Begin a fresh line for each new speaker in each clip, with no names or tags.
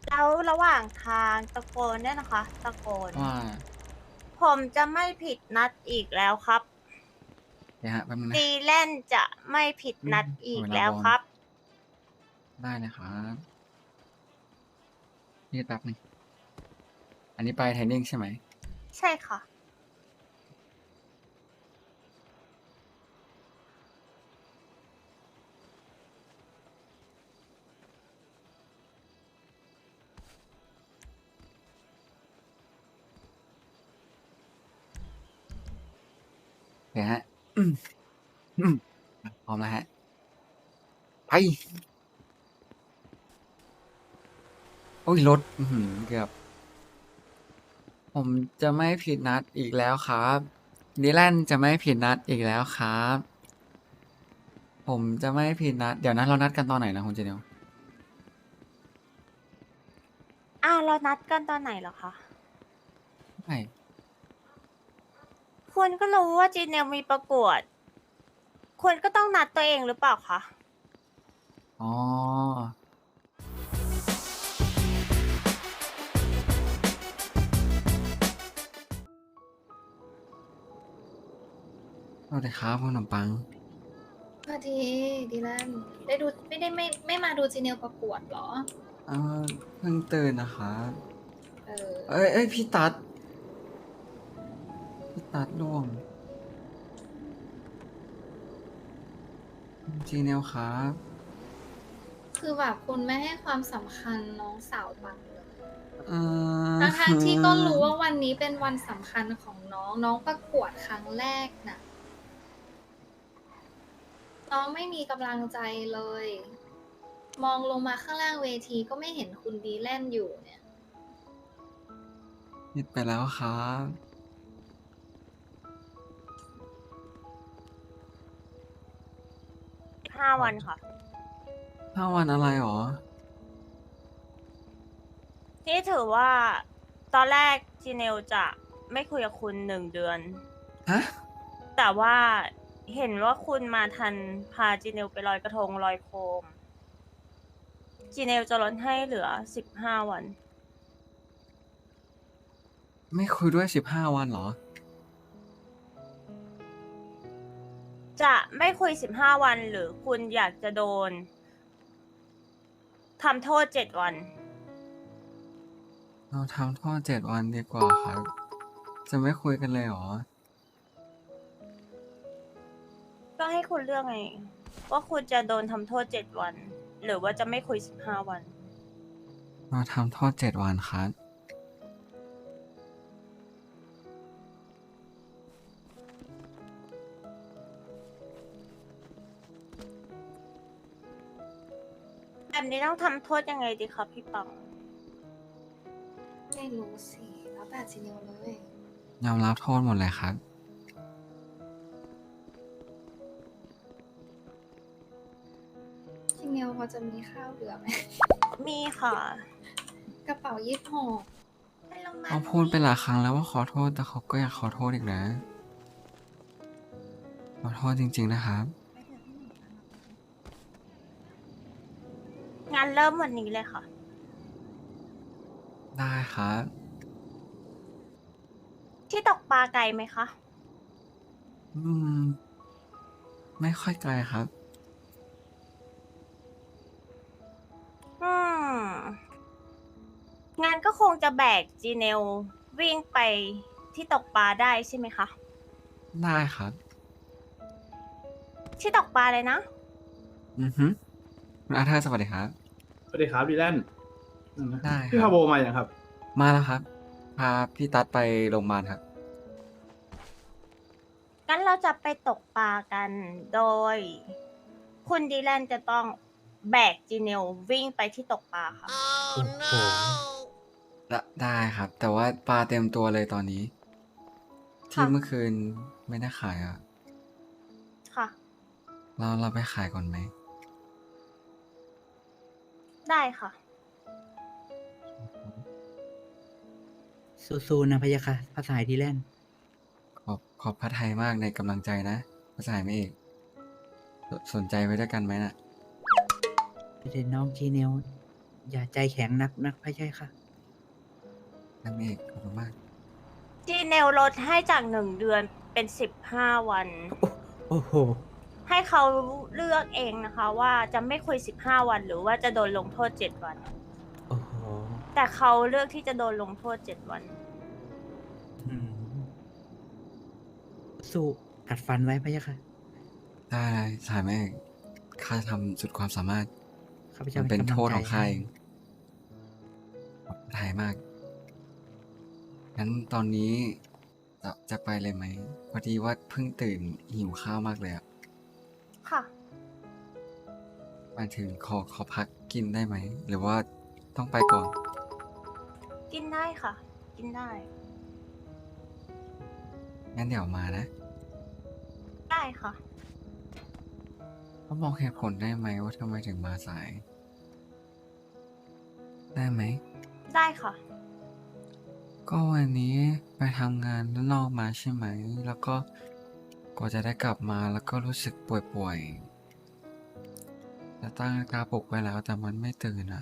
แล้วระหว่างทางตะโกนเนี่ยนะคะตะโกน
ว่า
ผมจะไม่ผิดนัดอีกแล้วครับ
เดี๋ยวฮะแป๊บนึงนะ
ดีแลนจะไม่ผิดนัดอีก
เวลาบอล
แล้วครับ
ได้นะครับนี่แป๊บนึงอันนี้ไปเทรนนิ่งใช่ไหม
ใช่ค่ะ
เดี๋ยวฮะอืมอืมพร้อมแล้วฮะไปโอ้ยรถเกือบผมจะไม่ผิดนัดอีกแล้วครับดิแลนจะไม่ผิดนัดอีกแล้วครับผมจะไม่ผิดนัดเดี๋ยวนะเรานัดกันตอนไหนนะคุณเจเนียว
เรานัดกันตอนไหนเหรอคะ
ไม่
คุณก็รู้ว่าจีเนลมีประกวดคุณก็ต้องนัดตัวเองหรือเปล่าคะ
อ๋อสวัสดีครับคุณขนมปัง
สวัสดีดีแลนได้ดูไม่มาดูจีเนียลประกวดเหรอ
เออเพิ่งตื่นนะครับ
เออ
เอ้ยพี่ตัดล่วงจีเนลครับ
คือแบบคุณไม่ให้ความสำคัญน้องสาวปังเลย
เอ
ทั้ง
อ
ที่ก็รู้ว่าวันนี้เป็นวันสำคัญของน้องประกวดครั้งแรกน่ะน้องไม่มีกำลังใจเลย มองลงมาข้างล่างเวทีก็ไม่เห็นคุณดีแลนอยู่เนี่ย
ผิดไปแล้วครับ
5 วันค่ะ
5 วันอะไรหรอ
นี่ถือว่าตอนแรกจีเนลจะไม่คุยกับคุณ1 เดือน
ฮะ
แต่ว่าเห็นว่าคุณมาทันพาจีเนลไปลอยกระทงลอยโคมจีเนลจะลดให้เหลือ15 วัน
ไม่คุยด้วย15 วันเหรอ
จะไม่คุย15 วันหรือคุณอยากจะโดนทำโทษ7 วัน
เราทำโทษ7 วันดีกว่าครับ จะไม่คุยกันเลยเหรอ
ก็ให้คุณเลือกไงว่าคุณจะโดนทำโทษ7 วันหรือว่าจะไม่คุย15 วัน
เราทำโทษ7 วันครับ
แบบนี้ต้องทำโทษยังไงดีครับพี่ปัง
ไม่รู้สิแล้วแต่จีเนียลเลย
ยอมรับโทษหมดเลยครับ
จีเนียลพอจะมีข้าวเหลือไหม
มีค่ะ
กระเป๋า26
เขาพูดไปหลายครั้งแล้วว่าขอโทษแต่เขาก็อยากขอโทษอีกนะขอโทษจริงๆนะครับ
งานเริ่มวันนี้เลยค่ะ
ได้ครับ
ที่ตกปลาไกลไหมคะ
อืมไม่ค่อยไกลครับ
อืมงานก็คงจะแบกจีเนลวิ่งไปที่ตกปลาได้ใช่ไหมคะ
ได้ครับ
ที่ตกปลาเลยนะ
อือฮึคุณอาเธอร์สวัสดีครับ
สวัสดีครับดีแลน
ได้ค
พี่
รับ
พาโบมาอย่างครับ
มาแล้วครับ พาพี่ตัดไปโรงพยาบาลครับ
งั้นเราจะไปตกปลากันโดย คุณดีแลนจะต้องแบกจีเนลวิ่งไปที่ตกปลาค่ะ
โอ้โห
ได้ครับ แต่ว่าปลาเต็มตัวเลยตอนนี้ ที่
ค่ะ
เมื่อคืนไม่ได้ขายอ่ะ
ค่ะ
เราไปขายก่อนไหม
ได้ค่ะ
สู้ๆนะพะยะค่ะภาษาที่เล่น
ขอบพระทัยมากในกำลังใจนะภาษาไม่เอกสนใจไว้ด้วยกันไหมน่ะ
ไปเด็นน้องจีเนลอย่าใจแข็งนักพระเจ้าค่ะ
นั่นเองขอบคุณมาก
จีเนลลดให้จาก1 เดือนเป็น15 วัน
โอ้โห
ให้เขาเลือกเองนะคะ ว่าจะไม่คุย15 วันหรือว่าจะโดนลงโทษ7 วัน
โอ้โห
แต่เขาเลือกที่จะโดนลงโทษ7 วัน
อืมสู้กัดฟันไว้พระเจ้าค่ะ
ได้สายแม่ข้าจะทำสุดความสามารถ
ข้าพเจ้า
มันเป็น
กำลั
โทษของข้า
ใจ
เองขอบใจมาก งั้นตอนนี้จะไปเลยไหม พอดีว่าเพิ่งตื่นหิวข้าวมากเลยอะ
ค่ะ
มาถึงขอพักกินได้ไหม หรือว่าต้องไปก่อน
กินได้ค่ะ กินได้
งั้นเดี๋ยวมานะ
ได้ค่ะ
เขาบอกเหตุผลได้ไหมว่าทำไมถึงมาสาย ได้ไหม
ได้ค่ะ
ก็วันนี้ไปทำงานด้านนอกมาใช่ไหม แล้วก็กว่าจะได้กลับมาแล้วก็รู้สึกป่วยๆจะตั้งนาฬิกาปลุกไว้แล้วแต่มันไม่ตื่นอ่ะ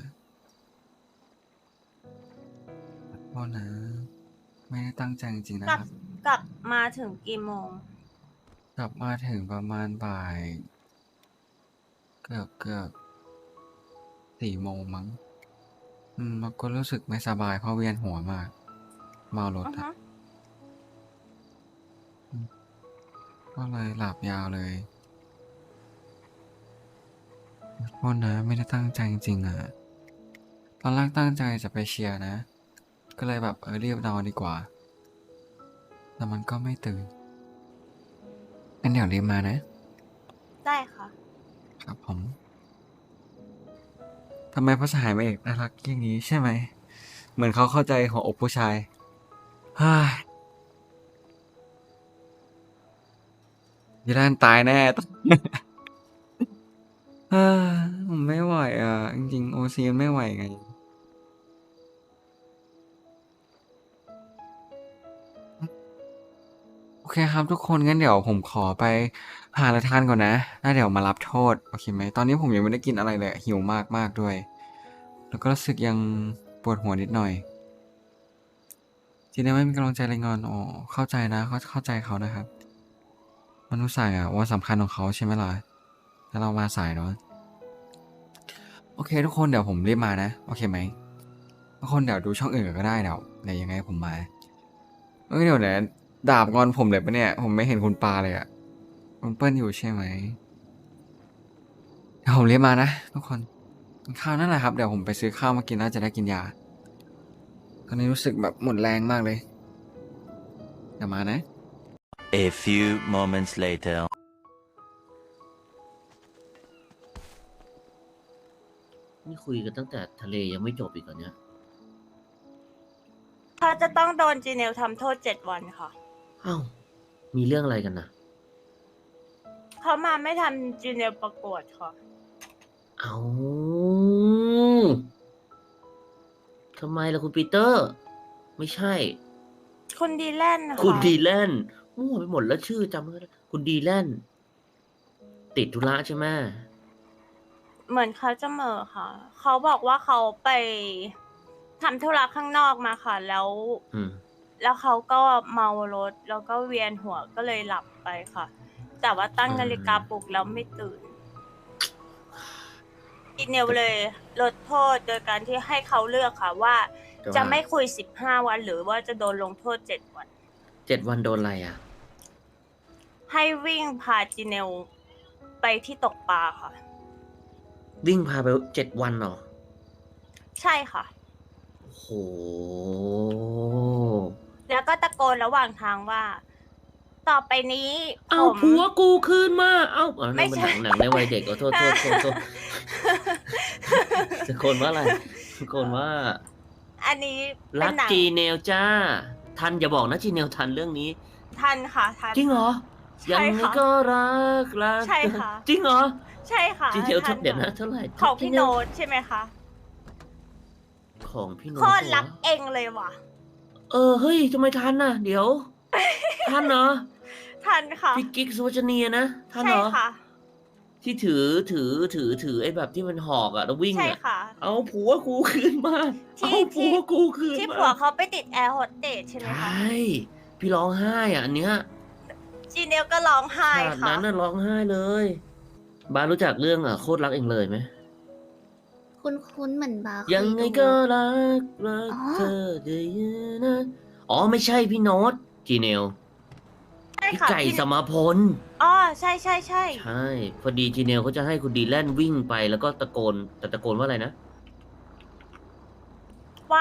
ขอโทษนะ ไม่ได้ตั้งใจจริงๆนะ
กลับ
ครับ
กลับมาถึงกี่โมง
กลับมาถึงประมาณบ่าย เกือบ4 โมงมั้งแล้วก็รู้สึกไม่สบายเพราะเวียนหัวมาก เมารถ
อือ
อะ
ฮะ
ก็เลยหลับยาวเลยขอโทษนะไม่ได้ตั้งใจจริงๆอ่ะ ตอนแรกตั้งใจจะไปเชียร์นะ ก็เลยแบบรีบนอนดีกว่า แต่มันก็ไม่ตื่นงั้นเดี๋ยวรีบมานะ
ได้ค่ะ
ครับผมทำไมพระสหายมาเอกน่ารักอย่างนี้ใช่ไหม เหมือนเขาเข้าใจหัวอกผู้ชายฮ่ายีรานตายแน่ ผมไม่ไหวอ่ะ จริงๆโอซีไม่ไหวไง โอเคครับทุกคนงั้นเดี๋ยวผมขอไปหาอะไรทานก่อนนะแล้วเดี๋ยวมารับโทษ โอเคไหม ตอนนี้ผมยังไม่ได้กินอะไรเลยหิวมากๆด้วย แล้วก็รู้สึกยังปวดหัวนิดหน่อย ทีนี้ไม่มีกำลังใจเลยงอนอ๋อเข้าใจนะเข้าใจเขานะครับ มันรู้สายอะวันสำคัญของเขาใช่ไหมล่ะแล้วเรามาสายเนาะโอเค ทุกคนเดี๋ยวผมรีบมานะโอเคไหมทุกคนเดี๋ยวดูช่องอื่นก็ได้เดี๋ยวยังไงผมมาเดี๋ยวเนี่ยดาบงอนผมเลยปะเนี่ย ผมไม่เห็นคุณปาเลยอะคุณเปิ้ลอยู่ใช่ไหมเดี๋ยวผมรีบมานะทุกคนกินข้าวนั่นแหละครับเดี๋ยวผมไปซื้อข้าวมากินน่าจะได้กินยาตอนนี้รู้สึกแบบหมดแรงมากเลยเดี๋ยวมานะ
A few moments later.
นี่คุยกันตั้งแต่ทะเลยังไม่จบอีกเหรอเนี่ย
เขาจะต้องโดนจีเนลทำโทษ7 วันค่ะ
อ้าว มีเรื่องอะไรกันนะ
เขามาไม่ทันจีเนลประกวดค่ะ
เอาทำไมล่ะคุณปีเตอร์ ไม่ใช่
คุณดีแลนด์ค่ะ
คุณดีแลนด์มั่วไปหมดแล้วชื่อจำไม่ได้คุณดีแลนด์ติดธุระใช่ไหม
เหมือนเขาจะเหม่อค่ะ เขาบอกว่าเขาไปทำธุระข้างนอกมาค่ะ แล้ว
อืม
แล้วเขาก็เมารถแล้วก็เวียนหัวก็เลยหลับไปค่ะ แต่ว่าตั้งนาฬิกาปลุกแล้วไม่ตื่นอีเนลเลยลดโทษโดยการที่ให้เขาเลือกค่ะว่า
แต่ว่า
จะไม่คุย15 วันหรือว่าจะโดนลงโทษ7 วัน
7 วันโดนอะไรอ่ะ
ให้วิ่งพาจีเนลไปที่ตกปลาค่ะ
วิ่งพาไป7 วันเหรอ
ใช่ค่ะ
โอ้โห
แล้วก็ตะโกนระหว่างทางว่า ต่อไปนี้ผ
เอา
ม
ผัวกูคืนมา เอาเอา
ไม่
นั่นมัน
ใช่
หนังในวัยเด็กโทษตะโกนว่าอะไรตะโกนว่า
อันนี้เป็
รั
น
ก
หนัง
จีเนลจ้า ทันอย่าบอกนะจีเนลทันเรื่องนี้
ทันค่ะทัน
จริงเหรอ
ใช่
ยังไง
ค่ะ
ก็รัก
ใช่ค่ะ
จริงเหรอ
ใช่ค่ะ
จีเนล
ทั
เดี๋ยวนะเท่าไหร่
ของพี่
จีเ
โน้ตใช่ไหมคะ
ของพี่โน้ต
โคตร
เห
รักเองเลยว่ะ
เฮ้ยทำไมทันน่ะ เดี๋ยว ทันเหรอ
ทันค่ะ
พี่กิ๊กสุวจนีนะทันเห
ใช่
รอ
ค่ะ
ที่ถือไอ้แบบที่มันหอกอะแล้ววิ่ง
ใช่
อะ
ค่ะ
เอาผัวกูคืนมา
ที่
เอาผัวกูคืน
ที่
มา
ผัวเขาไปติดแอร์โฮสเตสใช่ไหม
ใช
คะ
่ พี่ร้องไห้อ่ะอันเนี้ย
จีเนลก็ร้องไห้
ฉาก
ค่ะ
นั้นน่ะร้องไห้เลย บาสรู้จักเรื่องโคตรรักเองเลยไหม
คุ้นๆเหมือนบาร์เค
ยังไง
ดู
ก็รัก
อ๋อ
เธอได้ยินนะอ๋อไม่ใช่พี่โน้ตจีเนล
ใช่
พี่
ค่ะ
ไก่
พี่
สมาพล
อ๋อใช่ใช่ใช่
ใช่ พอดีจีเนลเขาจะให้คุณดีแลนวิ่งไปแล้วก็ตะโกน แต่ตะโกนว่าอะไรนะ
ว่า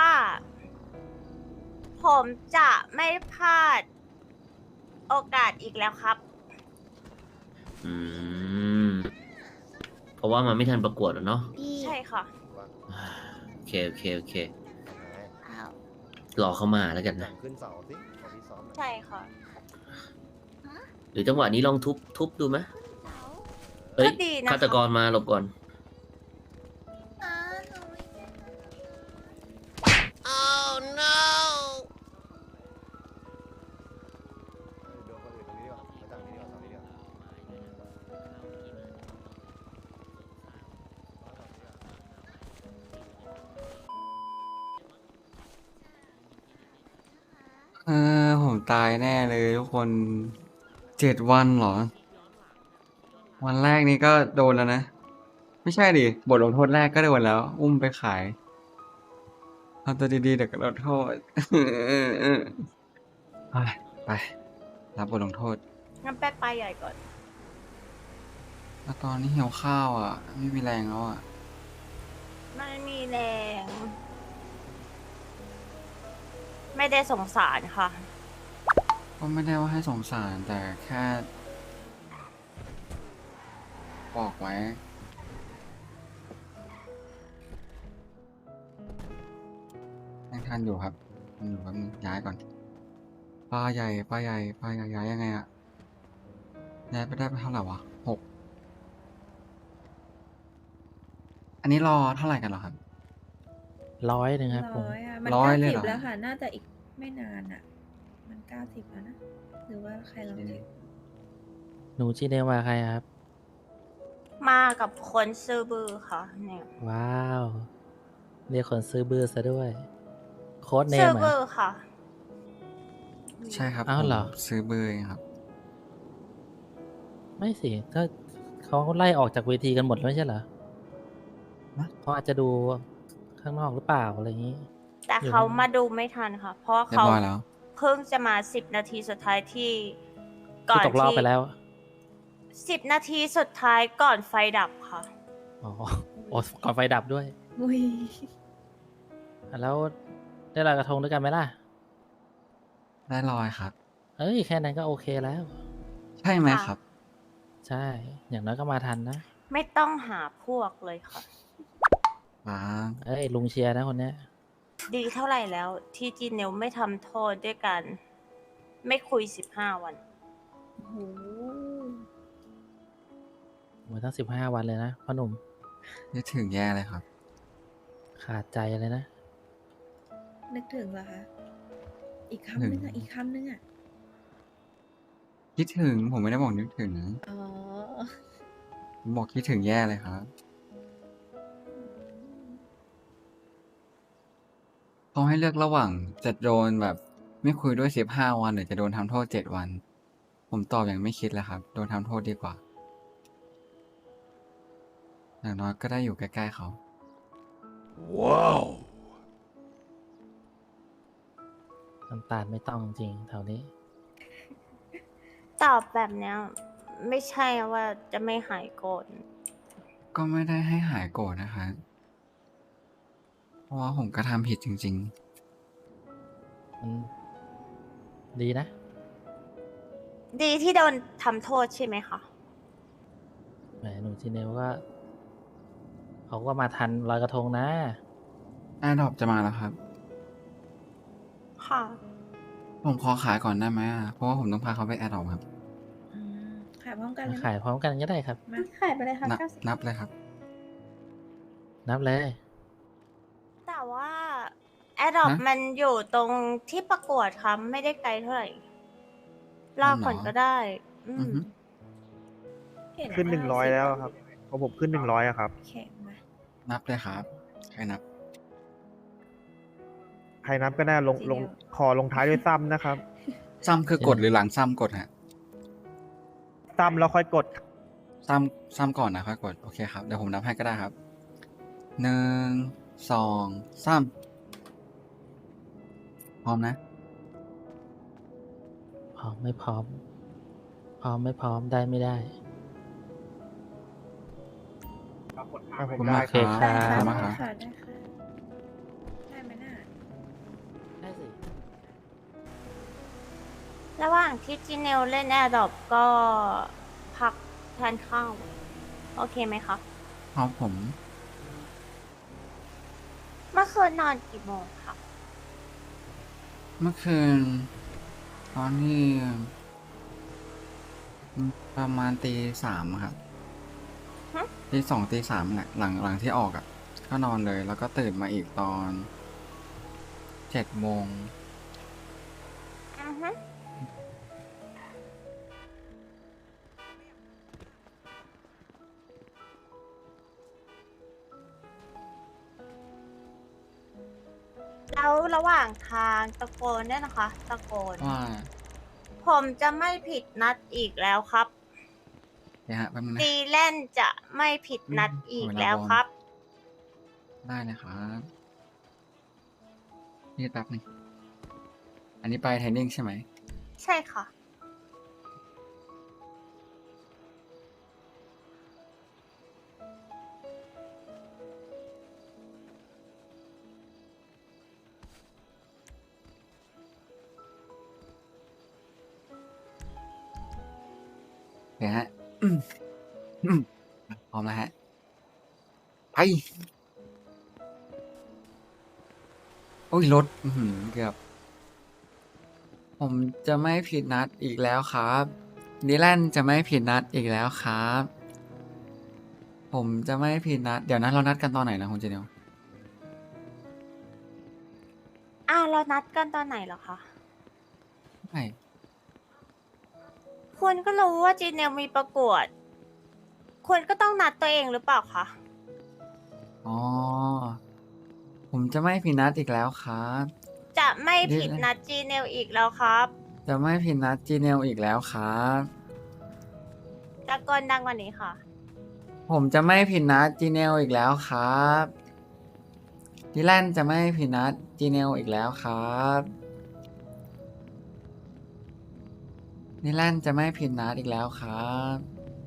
ผมจะไม่พลาด โอกาสอีกแล้วครับ
อืม เพราะว่ามันไม่ทันประกวดอะเนาะ
พี่
ใช่ค่ะ
โอเค
อ้าว
รอเขามาแล้วกันนะ
ขึ้นเสาสิขอพี่ซ้อมหน่อย
ใช่ค่ะ
หรือจังหวะนี้ลองทุบดูไหมเฮ้ย
ก็ดีนะคะ
ฆาตกรมาหลบก่อน
อ้าหนูไม่ได้
โดนคนอื่นตรงนี้ดีกว่ามาจากนี้ดีกว่าฝั่งนี้ดีกว่า
ผมตายแน่เลยทุกคน7 วันเหรอ วันแรกนี้ก็โดนแล้วนะ ไม่ใช่ดิ บทลงโทษแรกก็โดนแล้ว อุ้มไปขายเอาตัวดีๆเดี๋ยวก็ลดโทษ ไปรับบทลงโทษ
งั้นแป๊บไปใหญ่ก่อน
แล้วตอนนี้หิวข้าวอ่ะ ไม่มีแรงแล้วอ่ะ
ไม่มีแรง ไม่ได้สงสารค่ะ
ก็ไม่ได้ว่าให้สงสารแต่แค่ บอกไว้ยังทันอยู่ครับทันอยู่แป๊บนึงย้ายก่อนปลาใหญ่ย้ายยังไงอะย้ายไปได้ไปเท่าไหร่วะ6 อันนี้รอเท่าไหร่กันเหรอครับ
100ครับผม
ร้อยอ่ะมัน
ร้อย
90
เลยเหรอ
แล้วค่ะ น่าจะอีกไม่นานอ่ะ มัน90แล้วนะ หรือว่าใครลองเช็ค
หนูจีเนลมาใครครับ
มากับคนซื้อบือค่ะ เนี่ย
ว้าว เรียกคนซื้อบื้อซะด้วย โค้ดเน
ซื้อ
ม
บื
อ่ะ
อค่ะ
ใช่ครับ
อ้าวเหรอ
ผมซื้อเบอร์เองครับ
ไม่สิถ้าเขาไล่ออกจากเวทีกันหมดแล้วไม่ใช่เหรอ
ฮะ
เขาอาจจะดูข้างนอกหรือเปล่าอะไรอย่างนี้
แต่เขามาดูไม่ทันค่ะ เพราะว่า
เรีย
เขา
บร้อยแล้ว
เพิ่งจะมา10 นาทีสุดท้ายที่
ที่ตกรอบไปแล้ว
10 นาทีสุดท้ายก่อนไฟดับค่ะ
อ๋อโอ้ก่อนไฟดับด้วย
อุ้ย
แล้วได้ลอยกระทงด้วยกันไหมล่ะ
ได้ลอยครับ
เอ้ยแค่นั้นก็โอเคแล้ว
ใช่ไหม
ค่ะ
ครับ
ใช่ อย่างน้อยก็มาทันนะ
ไม่ต้องหาพวกเลยค่ะ
ว้า
เอ้ยลุงเชียร์นะคนเนี้ย
ดีเท่าไหร่แล้วที่จีเนลไม่ทำโทษด้วยกัน ไม่คุย15 วัน
โอ้โห
หมดตั้ง15 วันเลยนะพ่อหนุ่ม
นึกถึงแย่เลยครับ
ขาดใจเลยนะ
นึกถึงเหรอคะ อีกคำนึงอ่ะ อีกคำนึงอ่ะ
คิดถึงผมไม่ได้บอกนึกถึง
อ๋อ
ผมบอกคิดถึงแย่เลยครับ เขาให้เลือกระหว่างจะโดนแบบไม่คุยด้วย15 วันหรือจะโดนทำโทษ7 วัน ผมตอบอย่างไม่คิดแล้วครับ โดนทำโทษดีกว่า อย่างน้อยก็ได้อยู่ใกล้ๆเขา
น้ำตาลไม่ต้องจริงแถวนี้
ตอบแบบเนี้ย ไม่ใช่ว่าจะไม่หายโกรธ
ก็ไม่ได้ให้หายโกรธนะคะ เพราะว่าผมก็ทำผิดจริง
มันดีนะ
ดีที่โดนทำโทษใช่ไหมคะ
แหมหนูจีเนลก็เขาก็มาทันลอยกระทงนะ
ๆ แอร์ดรอปจะมาแล้วครับ
ค่ะ
ผมขอขายก่อนได้ไหมอะเพราะว่าผมต้องพาเขาไปแอร์ดรอปครับ
อืมขายพร้อมกันเลย
ขายพร้อมกันก็ได้ครับ
มาขายไปเลยค่ะ
นับ
90
นับเลยครับ
นับเลย
แต่ว่าแอดดอป
ฮะ
มันอยู่ตรงที่ประกวดค่ะไม่ได้ไกลเท่าไหร่รอก่อน
อ๋อเหรอ
ก็ได้ อื
อือ
ม
ฮึ
เห็น
ขึ้น
ว่า
100แล้วครับของผมขึ้น100อะครับ
แข็งมา
นับเลยครับใครนับ
ใครนับก็ได้ลงขอลงท้ายด้วยซ้ำนะครับ
ซ้ำคือกดหรือหลังซ้ำกดฮะ
ซ้ำแล้วค่อยกด
ซ้ำก่อนนะค่อยกด โอเคครับ เดี๋ยวผมนับให้ก็ได้ครับ 1 2 3 พร้อมนะ
พร้อมไม่พร้อม พร้อมไม่พร้อมได้ไม่ได้
ผม
ผม
ได้
มา
โอเค
ครับ
ค
ได้
รับ
มา
ค่ะ
ครับ
ได้ค่ะได้ไหมน่ะ
ได้สิ
ระหว่างที่จีเนลเล่นแอร์ดรอปก็พักทานข้าวโอเคไหมคะ
พร้อมผม
เมื่อคืนนอนกี่โมงคะ
เมื่อคืน ตอนนี้ประมาณตี 3ครับ
ฮะ
ตี 2ตี 3แหละหลังที่ออกอ่ะ ก็นอนเลย แล้วก็ตื่นมาอีกตอน7 โมง
อือฮึแล้วระหว่างทางตะโกนเนี่ยนะคะ ตะโกน
ว่า
ผมจะไม่ผิดนัดอีกแล้วครับ
เดี๋ยวฮะแป๊บนึงนะ
ดีแลนจะไม่ผิดนัดอีกแล้วครับ
ได้นะครับนี่แป๊บนึงอันนี้ไปเทรนนิ่งใช่ไหม
ใช่ค่ะ
เดี๋ยวฮะ พร้อมแล้วฮะ ไป โอ้ยรถเกือบ ผมจะไม่ผิดนัดอีกแล้วครับดิแลนจะไม่ผิดนัดอีกแล้วครับ ผมจะไม่ผิดนัด เดี๋ยวนะเรานัดกันตอนไหนนะคุณเจเนียว
เรานัดกันตอนไหนเหรอคะ
ไม่
คุณก็รู้ว่าจีเนลมีประกวด คุณก็ต้องนัดตัวเองหรือเปล่าคะ
อ๋อ ผมจะไม่ผิดนัดอีกแล้วครับ
จะไม่ผิดนัดจีเนลอีกแล้วครับ
จะไม่ผิดนัดจีเนลอีกแล้วครับ
ตะโกนดังกว่านี้ค่ะ
ผมจะไม่ผิดนัดจีเนลอีกแล้วครับดิแลนจะไม่ผิดนัดจีเนลอีกแล้วครับดิแลนจะไม่ผิดนัดอีกแล้วครับ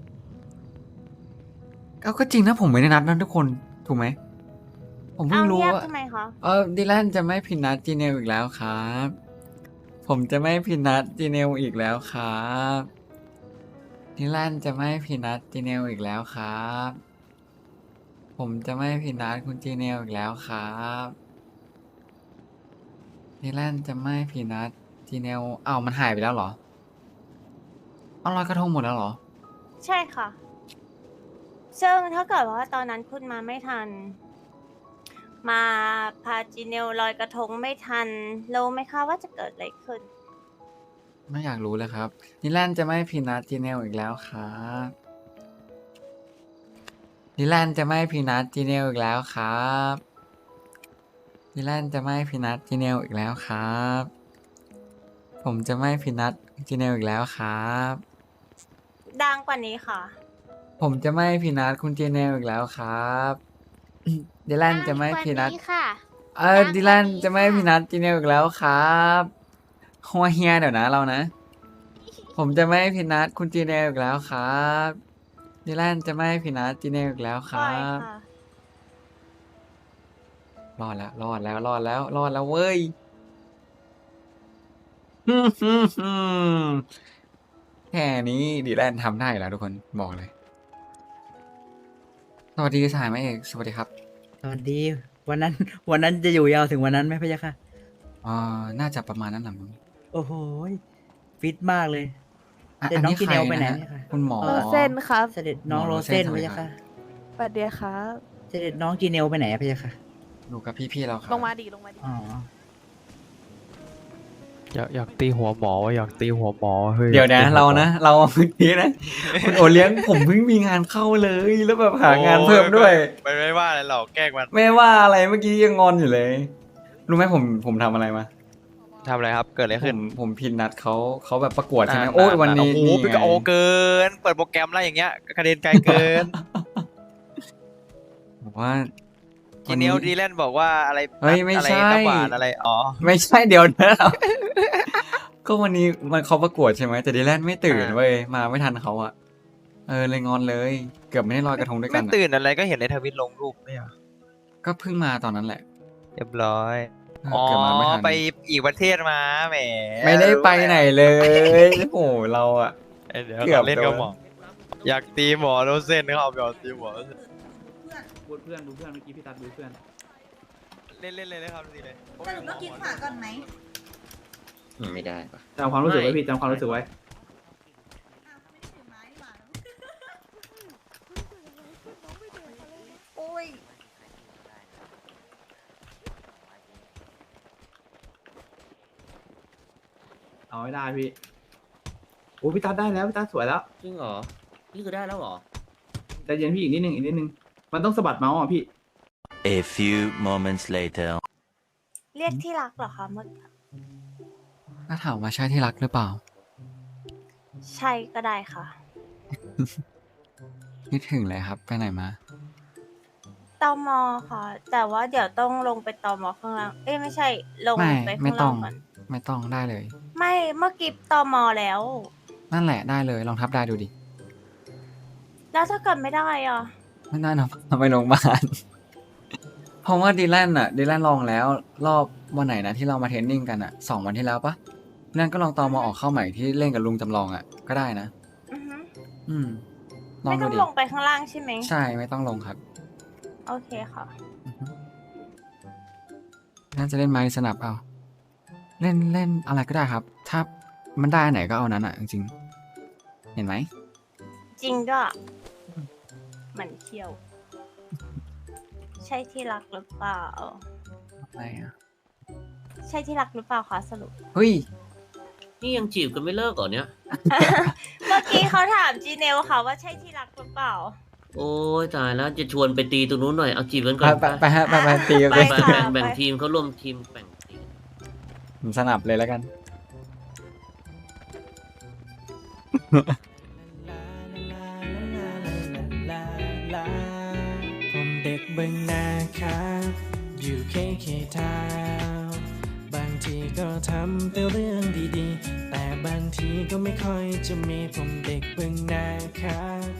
ก็จริงนะผมไม่ได้นัดนะทุกคนถูกไหมผมเพิ่
เอา
งรู้
เงียบ
ว่า
ทำไมคะ
ดิแลนจะไม่ผิดนัดจีเนลอีกแล้วครับ ผมจะไม่ผิดนัดจีเนลอีกแล้วครับดิแลนจะไม่ผิดนัดจีเนลอีกแล้วครับ ผมจะไม่ผิดนัดคุณจีเนลอีกแล้วครับดิแลนจะไม่ผิดนัดจีเนลมันหายไปแล้วเหรอเอาลอยกระทงหมดแล้วเหรอ
ใช่ค่ะ ซึ่งถ้าเกิดว่าตอนนั้นคุณมาไม่ทัน มาพาจีเนลลอยกระทงไม่ทันรู้ไหมคะว่าจะเกิดอะไรขึ้น
ไม่อยากรู้เลยครับดิแลนจะไม่ผิดนัดจีเนลอีกแล้วครับดิแลนจะไม่ผิดนัดจีเนลอีกแล้วครับดิแลนจะไม่ผิดนัดจีเนลอีกแล้วครับ ผมจะไม่ผิดนัดจีเนลอีกแล้วครับ
ดังกว่านี้ค่ะ
ผมจะไม่ผิดนัดคุณจีเนลอีกแล้วครับดิแลนจะไม่ผิดนัด
ค่ะ
ดิแลนจะไม่ผิดนัดจีเนลอีกแล้วครับหัวเฮียเดี๋ยวนะเรานะ ผมจะไม่ผิดนัดคุณจีเนลอีกแล้วครับดิแลนจะไม่ผิดนัดจีเนลอีกแล้วค
ปล่
รั
อย
บ
ค่ะ
รอดแล้วเว้ย แค่นี้ดีแลนทำได้แล้วทุกคนบอกเลย สวัสดีสหายแม่เอกสวัสดีครับ
สวัสดีวันนั้น วันนั้นจะอยู่ยาวถึงวันนั้นไหมพะยะค่ะ
น่าจะประมาณนั้นแหละมั้ง
โอ้โหยฟิตมากเลย
อ่ะ
เดี๋ยว
อันนี้
น้องกิน
ใคร
เนลไปไหน
นะฮะ
เนี่ยคะ
คุณหมอ
โร
เส้นครับ
เสด็จน้อง
หมอ
โร
โรเซ่
เซ
น
น
สวัส
พะ
ดี
ยะ
ครั
ค่ะ
บ
สวัสดีครับ
เสด็จน้องกินเนลไปไหนอะพะยะค่ะ
อยู่กับพี่ๆเราครับ
ลงมาดิ ลงมาดิ
อ๋อ
อยากตีหัวหมออยากตีหัวหมอเฮ้ย
เดี๋ยวนะเรานะเราเมื่อกี้นะคุณโอเลี้ยงผมเพิ่งมีงานเข้าเลยแล้วแบบหางานเพิ่มด้วย
ไม่ว่าอะไรหรอกแกล้งมัน
ไม่ว่าอะไรเมื่อกี้ยังงอนอยู่เลย รู้ไหมผมทำอะไรมา
ทำอะไรครับ เกิดอะไรขึ้น
ผมพินนัดเขาแบบประกวดใช่ไหมโอ้ยวันนี้
โอ้โห
นี่
เป็น
ไง
กโอเกิน เปิดโปรแกรมอะไรอย่างเงี้ยกระเด็นไกลเกิน
บอกว่า
จีเนียลดีแลนบอกว่าอะไร
เฮ้ยไม่ใช่
อะไรน้ำหวานอะไรอ๋อ
ไม่ใช่เดี๋ยวนะ ก็วันนี้มันเขาประกวดใช่ไหมแต่ดีแลนไม่ตื่นเว้ยมาไม่ทันเขาอะเลยงอนเลย เกือบไม่ได้ลอยกระทงด้วยกั
ไม่
นอะ
ตื่นอะไรก็เห็นในทวิตลงรูปไม่เหรอ
ก็เพิ่งมาตอนนั้นแหละ
เรียบร้อย
เกือบมาไม่ทัน
ไปอีกประเทศมาแหม
ไม่ได้ไปไหนเลยโอ้โหเราอะ
เดี๋ยว
เกือบ
เล่นกับ
โดน
หมออยากตีหมอโรเซนนะครับอยากตีหมอ
บูเพื่อนเมื่อกี้พี่ตัดบูเพื่อน
เล่นเลยนะครับดีเลย
สรุปต้องกินขวาก่อนไหม
ไม่ได้ปะ
จำความรู้สึกไว้พี่จำความรู้สึกไว้
อ้าวไม่ได้ถือไม้หว่า โอ้ย
เอาไม่ได้พี่โอ้พี่ตัดได้แล้วพี่ตัดสวยแล้ว
จริงเหรอ นี่คือได้แล้วเหรอ
ใจเย็นพี่อีกนิดนึงมันต้องสะบัดเมาส์อ่ะพี่
A few moments later.
เรียกที่รักเหรอคะเมื่อ
ถ้าถามว่าใช่ที่รักหรือเปล่า
ใช่ก็ได้ค่ะ
คิดถึงเลยครับ ไปไหนมา
ตมค่ะ แต่ว่าเดี๋ยวต้องลงไปตมข้างล่างเอ้ยไม่ใช่ ลง
ไม่
ไป
ไม่
ข้าง
ต้
ล่า
อง ง
ก่อน
ไม่ต้องได้เลย
ไม่เมื่อกี้ตมแล้ว
นั่นแหละได้เลยลองทับได้ดูดิ
แล้วถ้าเกิดไม่ได้อ่ะ
ไม่ได้นะไปโรงพยาบาล เพราะว่าดีแลนลองแล้ว รอบวันไหนนะที่เรามาเทรนนิ่งกันอะ2 วันที่แล้วปะดีแลนก็ลองตอมออกเข้าใหม่ที่เล่นกับลุงจำลองอะก็ได้นะ
อือฮึ
ลอง
ไม่
ดู
ต้อง
ดิ
ลงไปข้างล่างใช่ไหม
ใช่ไม่ต้องลงครับ
โอเคค่ะ
น่าจะเล่นไม้สนับเอาเล่นอะไรก็ได้ครับ ถ้ามันได้อันไหนก็เอานั้นอะจริงๆเห็นไหม
จริงด้วยหมันเที่ยว ใช่ที่รักหรือเปล่า
อะไรอะ
ใช่ที่รักหรือเปล่าคะสรุป
เฮ้ย
นี่ยังจีบกันไม่เลิกเหรอเนี่ย
เมื่อกี้เขาถามจีเนลค่ะว่าใช่ที่รักหรือเปล่า
โอ้ยตายแล้วจะชวนไปตีตรงนู้นหน่อย เอาจีบกันก่
ไป
อน
ไปฮะไปตีกัน
ไป
เลย
ค่ะ
แบ่งทีมเขาร่วมทีมแบ่งทีม
ผมสนับเลยแล้วกัน
ผมเด็กเบิ่งนาครับอยู่เคทาวน์บางทีก็ทำแต่เรื่องดีๆ แต่บางทีก็ไม่ค่อยจะมีผมเด็กเบิ่งนาครับ